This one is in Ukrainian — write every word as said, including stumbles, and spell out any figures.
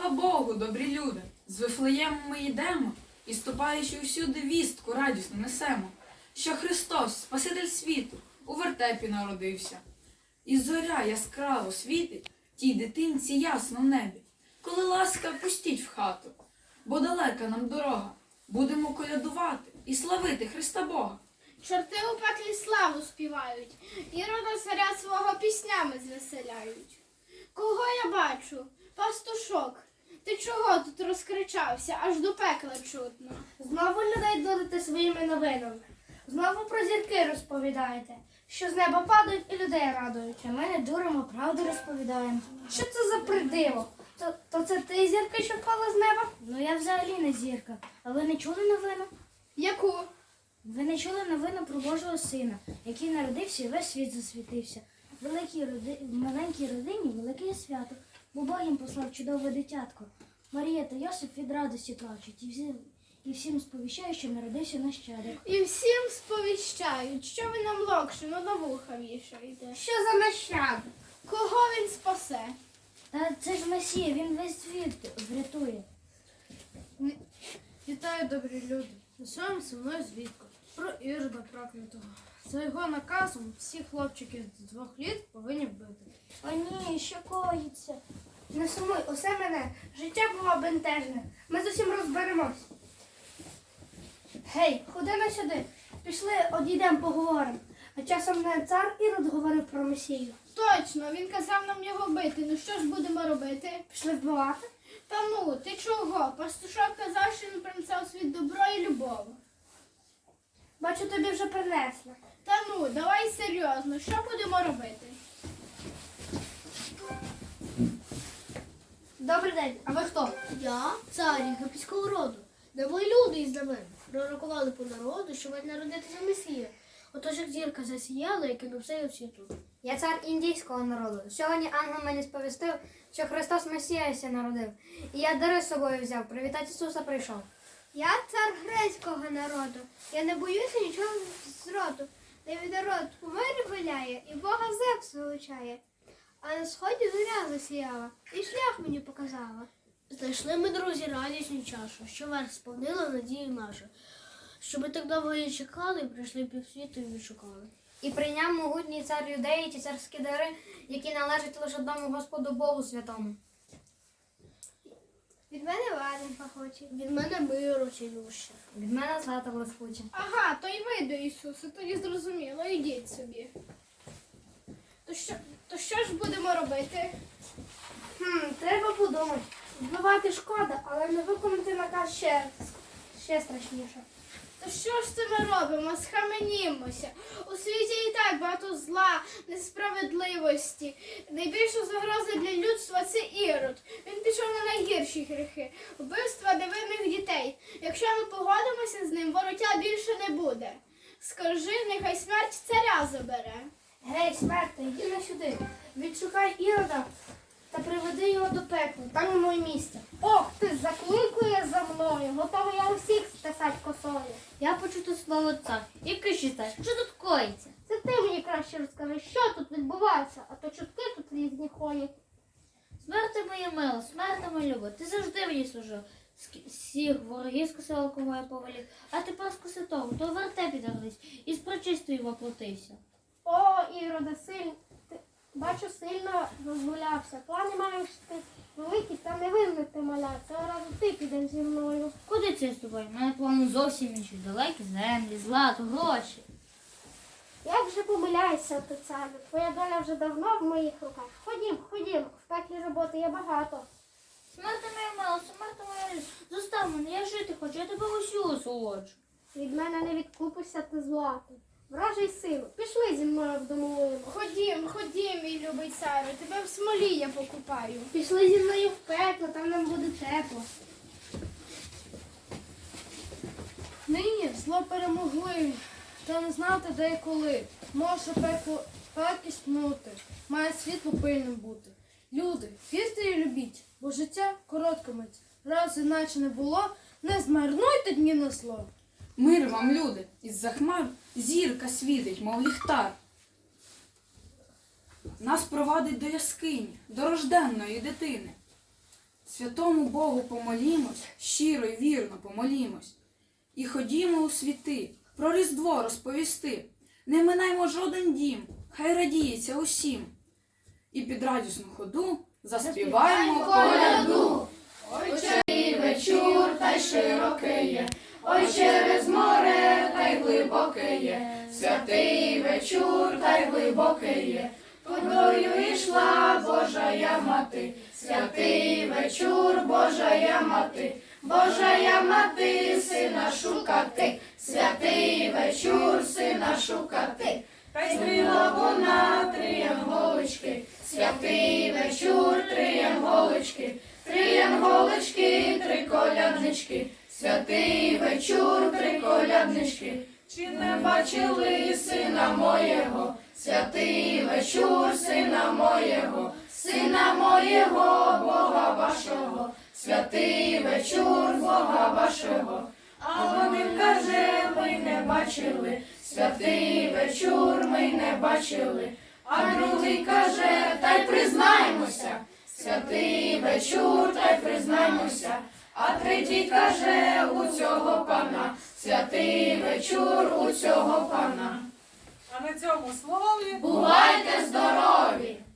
Слава Богу, добрі люди! З Вифлеєму ми йдемо і, ступаючи всюди, вістку радісно несемо, що Христос, Спаситель світу, у вертепі народився. І зоря яскраво світить тій дитинці ясно в небі. Коли ласка, пустіть в хату, бо далека нам дорога. Будемо колядувати і славити Христа Бога. Чорти у пеклі славу співають, Ірода царя свого піснями звеселяють. Кого я бачу? Пастушок. Ти чого тут розкричався, аж до пекла чутно? Знову людей дурите своїми новинами. Знову про зірки розповідаєте, що з неба падають і людей радують. А ми не дуримо, правду розповідаємо. Що це за придиво? То, то це ти зірка, що впала з неба? Ну я взагалі не зірка. А ви не чули новину? Яку? Ви не чули новину про Божого Сина, який народився і весь світ засвітився. В великій роди... в маленькій родині велике свято, бо Бог їм послав чудове дитятко. Марія та Йосип від радості плачуть і всім, і всім сповіщають, що народився нащадок. І всім сповіщають, що ви нам локшину на вуха вішаєте. Що за нащадок? Кого він спасе? Та це ж Месія, він весь світ врятує. Вітаю, добрі люди. Несемо зі мною звідку про Ірода проклятого. За його наказом всі хлопчики з двох літ повинні вбити. О ні, що коїться? Не сумуй, усе мене. Життя було бентежне. Ми з усім розберемось. Гей, ходи на сюди. Пішли, одійдемо, поговоримо. А часом не цар Ірод говорив про Месію. Точно, він казав нам його бити. Ну що ж будемо робити? Пішли вбивати? Та ну, ти чого? Пастушок казав, що він принесе у світ добро і любов. Бачу, тобі вже принесли. Та ну, давай серйозно, що будемо робити? Добрий день, а ви хто? Я цар єгипетського роду. Не мої люди із знамен пророкували по народу, що має народитися Месія. Отож, як зірка засіяла, і кинув все світу. Я цар індійського народу. Сьогодні ангел мені сповістив, що Христос Месіяся народив. І я дари з собою взяв, привітати Ісуса прийшов. Я цар грецького народу. Я не боюся нічого зроду. Де від народ у мирі виляє і Бога Зевс вилучає. А на сході зоря засіяла і шлях мені показала. Знайшли ми, друзі, радісну чашу, що верх сповнила надію нашу. Що ми так довго її чекали, прийшли півсвіту і відшукали. І прийняв могутній цар юдеї ті царські дари, які належать лише одному Господу Богу святому. Від мене ладен пахоче. Від мене миру цілюща. Від мене злата блискуча. Ага, то й ви до Ісуса, тоді зрозуміло, йдіть собі. То що, то що ж будемо робити? Хм, треба подумати. Вбивати шкода, але не виконати наказ ще, ще страшніше. То що ж це ми робимо? Схаменімося. У світі і так багато зла, несправедливості. Найбільша загроза для людства – це Ірод. Він пішов на найгірші гріхи – вбивства невинних дітей. Якщо ми погодимося з ним, вороття більше не буде. Скажи, нехай смерть царя забере. Гей, смерти, йди на сюди. Відшукай Ірода та приведи його до пекла. Там йому і місце. Ох, ти закликує за мною. Готова я усіх стесать косою. Я почути слово цар. І кажіть, що тут коїться? Це ти мені краще розкажи, що тут відбувається, а то чутки тут різні ходять. Смерти моя мила, смерти моя люба, ти завжди мені служив. Всіх ворогів скосив алкоголь повелів, а тепер скоси того, то в вертепі дарлись, і з причистою воплотився. О, Іроде, сильно, ти, бачу, сильно розгулявся. Плани маєш ти великі та невинний ти маля. Цього разу ти підеш зі мною. Куди це з тобою? У мене плани зовсім інші, далекі землі, злато, гроші. Як же помиляєшся, ти царю? Твоя доля вже давно в моїх руках. Ходім, ходім, в пеклі роботи є багато. Смерти моя мила, смерти моя люба, зостав мене, я жити хочу, я тебе усю осолоджу. Від мене не відкупишся ти златим. Вражий силу, пішли зі мною в домовину. Ходім, ходім, мій любий царю, тебе в смолі я покупаю. Пішли зі мною в пекло, там нам буде тепло. Нині зло перемогли, та не знати де і коли. Може пекло пекість минути, має світло пильним бути. Люди, вірте і любіть, бо життя коротка мить. Раз іначе не було, не змарнуйте дні на зло. Мир вам, люди, із-за хмар зірка світить, мов ліхтар. Нас провадить до яскині, до рожденної дитини. Святому Богу помолімось, щиро й вірно помолімось. І ходімо у світи, про Різдво розповісти. Не минаймо жоден дім, хай радіється усім. І під радісну ходу заспіваємо коляду. Ой, чий вечір, та й широкий є, ой, через море, та й глибоке є. Святий вечір, та й глибокий є. Водою йшла Божая мати, святий вечір, Божая мати, Божая мати, сина шукати, святий вечір, сина шукати. Та й зрила вона три янголочки, святий вечір, три янголочки, три янголочки, три коляднички, святий вечір, три коляднички. Чи не бачили сина моєго, святий вечір, сина моєго, сина моєго, Бога вашого, святий вечір, Бога вашого. А один каже, ми не бачили, святий вечір, ми не бачили. А другий каже, та й признаймося, святий вечір, та й признаймося. А третій каже, у цього пана, святий вечір, у цього пана. А на цьому слові Бувайте здорові!